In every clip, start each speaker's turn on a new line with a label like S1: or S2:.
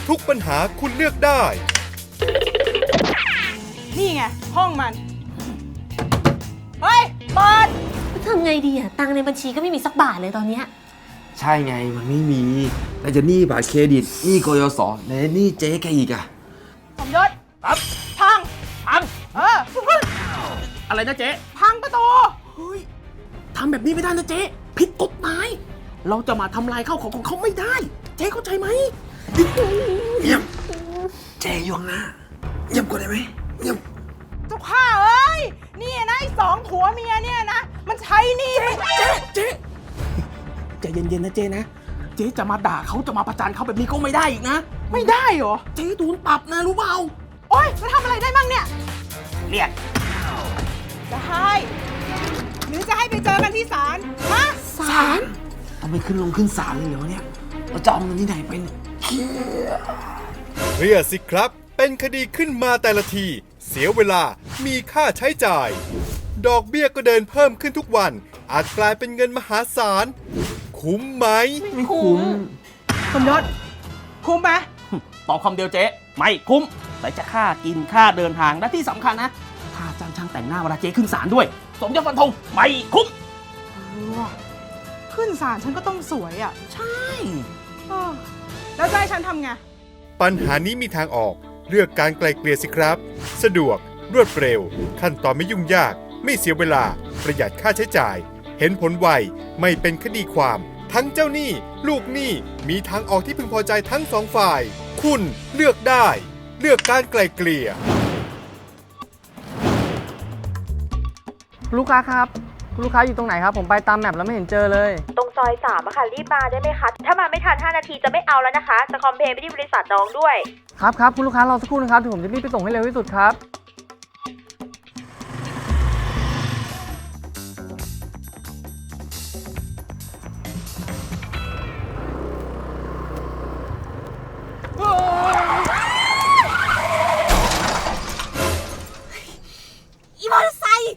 S1: ทุกปัญหาคุณเลือกได้
S2: นี่ไงห้องมันเฮ้ยเปิด
S3: ทำไงดีอะตังค์ในบัญชีก็ไม่มีสักบาทเลยตอนเนี้ย
S4: ใช่ไงมันไม่มีแต่จะหนี้บัตรเครดิตหนี้กยศและหนี้เจ๊แกอีกอะ
S2: สมยศครับพัง
S4: อะไรนะเจ๊
S2: พังประตู
S4: เฮ้ยทำแบบนี้ไม่ได้นะเจ๊ผิดกฎหมายเราจะมาทำลายข้าวของเขาไม่ได้เจ๊เข้าใจไหมเงียบเจ๊อยู่ข้างหน้าเงียบกว่าได้ไหมเงียบ
S2: เจ้าข้าเอ้ยนี่นะไอ้สองผัวเมียเนี่ยนะมันใช้หนี่
S4: เจ๊ใจเย็นๆนะเจ๊นะเจ๊จะมาด่าเขาจะมาประจานเขาแบบนี้ก็ไม่ได้อีกนะ
S2: ไม่ได้เหรอ
S4: เจ๊โดนปรับนะรู้เปล่า
S2: โอ๊ยจะทำอะไรได้บ้างเนี่ย
S4: เรียก
S2: จะให้หรือจะให้ไปเจอกันที่ศาลฮะ
S3: ศาล
S4: ต้องไปขึ้นศาลเลยเหรอเนี่ยเราจะเอาเงินที่ไหนไปเนี่ย
S1: เครียดสิครับเป็นคดีขึ้นมาแต่ละทีเสียเวลามีค่าใช้จ่ายดอกเบี้ยก็เดินเพิ่มขึ้นทุกวันอาจกลายเป็นเงินมหาศาลคุ้มไหม
S4: ไม่คุ้ม
S2: สมยศคุ้มไหม
S4: ตอบคำเดียวเจ๊ไม่คุ้มแต่จะค่ากินค่าเดินทางและที่สำคัญนะค่าจ้างช่างแต่งหน้าเวลาเจ๊ขึ้นศาลด้วยสมยศฟันธงไม่คุ้ม
S2: ขึ้นศาลฉันก็ต้องสวยอ่ะ
S4: ใช่
S2: แล้วจะให้ฉันทำไง
S1: ปัญหานี้มีทางออกเลือกการไกล่เกลี่ยสิครับสะดวกรวดเร็วขั้นตอนไม่ยุ่งยากไม่เสียเวลาประหยัดค่าใช้จ่ายเห็นผลไวไม่เป็นคดีความทั้งเจ้าหนี้ลูกหนี้มีทางออกที่พึงพอใจทั้งสองฝ่ายคุณเลือกได้เลือกการไกล่เกลี่ย
S5: ลูกค้าครับลูกค้าอยู่ตรงไหนครับผมไปตามแมปแล้วไม่เห็นเจอเลย
S6: ตรงซอย3อะค่ะรีบมาได้ไหมคะถ้ามาไม่ทัน5 นาทีจะไม่เอาแล้วนะคะจะคอมเพลนไปที่บริษัทน้องด้วย
S5: ครับคุณลูกค้ารอสักครู่นะครับเดี๋ยวผมจะรีบไปส่งให้เร็วที่สุดครับ
S3: อีมอเตอร์ไซค์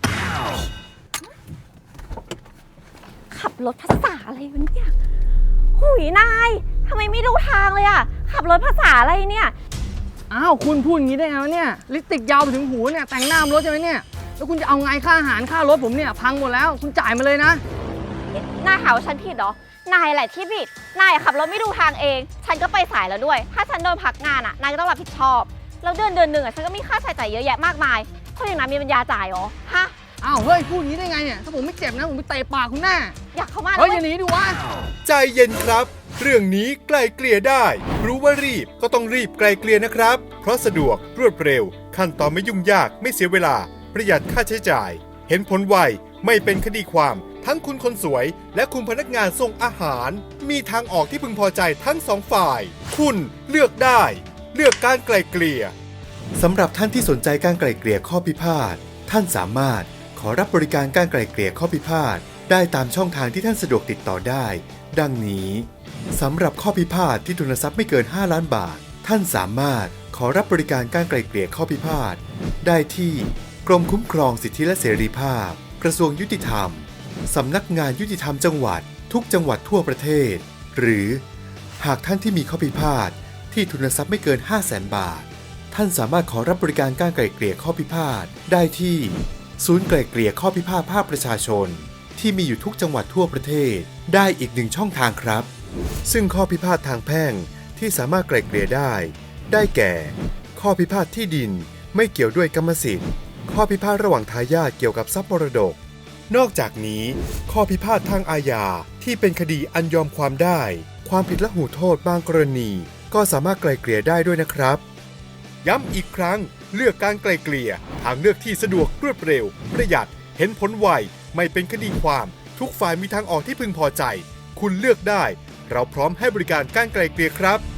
S3: ขับรถภาษาอะไรวะเนี่ยหุยนายทำไมไม่ดูทางเลยอะขับรถภาษาอะไรเนี่ย
S5: อ้าวคุณพูดอย่างนี้ได้ไงวะเนี่ยลิปสติกยาวไปถึงหูเนี่ยแต่งหน้ารถใช่ไหมเนี่ยแล้วคุณจะเอาไงค่าอาหารค่ารถผมเนี่ยพังหมดแล้วคุณจ่ายมาเลยนะ
S3: นายหาว่าฉันผิดเหรอนายแหละที่ผิดนายขับรถไม่ดูทางเองฉันก็ไปสายแล้วด้วยถ้าฉันโดนพักงานอะนายก็ต้องรับผิดชอบแล้วเดือนหนึ่งอะฉันก็มีค่าใช้จ่ายเยอะแยะมากมายคนอย่างนั้นมีปัญญาจ่ายเหรอฮะ
S5: อ้าวเฮ้ยพูดอย่างนี้ได้ไงเนี่ยถ้าผมไม่เจ็บนะผมไปเตะปากคุณแน่
S3: อยากเข้ามา
S5: เฮ้ยอย่าหนีดิวะ
S1: ใจเย็นครับเรื่องนี้ไกล่เกลี่ยได้รู้ว่ารีบก็ต้องรีบไกล่เกลี่ยนะครับเพราะสะดวกรวดเร็วขั้นตอนไม่ยุ่งยากไม่เสียเวลาประหยัดค่าใช้จ่ายเห็นผลไวไม่เป็นคดีความทั้งคุณคนสวยและคุณพนักงานส่งอาหารมีทางออกที่พึงพอใจทั้งสองฝ่ายคุณเลือกได้เลือกการไกล่เกลี่ยสำหรับท่านที่สนใจการไกล่เกลี่ยข้อพิพาทท่านสามารถขอรับบริการการไกล่เกลี่ยข้อพิพาทได้ตามช่องทางที่ท่านสะดวกติดต่อได้ดังนี้สำหรับข้อพิพาทที่ทุนทรัพย์ไม่เกิน5 ล้านบาทท่านสามารถขอรับบริการการไกล่เกลี่ยข้อพิพาทได้ที่กรมคุ้มครองสิทธิและเสรีภาพกระทรวงยุติธรรมสำนักงานยุติธรรมจังหวัดทุกจังหวัดทั่วประเทศหรือหากท่านที่มีข้อพิพาทที่ทุนทรัพย์ไม่เกิน 500,000 บาทท่านสามารถขอรับบริการการไกล่เกลี่ยข้อพิพาทได้ที่ศูนย์ไกล่เกลี่ยข้อพิพาทภาคประชาชนที่มีอยู่ทุกจังหวัดทั่วประเทศได้อีก1 ช่องทางครับซึ่งข้อพิพาททางแพ่งที่สามารถไกล่เกลี่ยได้แก่ข้อพิพาทที่ดินไม่เกี่ยวด้วยกรรมสิทธิ์ข้อพิพาทระหว่างทายาทเกี่ยวกับทรัพย์มรดกนอกจากนี้ข้อพิพาททางอาญาที่เป็นคดีอันยอมความได้ความผิดละหูโทษบางกรณีก็สามารถไกล่เกลี่ยได้ด้วยนะครับย้ำอีกครั้งเลือกการไกล่เกลี่ยทางเลือกที่สะดวกรวดเร็วประหยัดเห็นผลไวไม่เป็นคดีความทุกฝ่ายมีทางออกที่พึงพอใจคุณเลือกได้เราพร้อมให้บริการการไกล่เกลี่ยครับ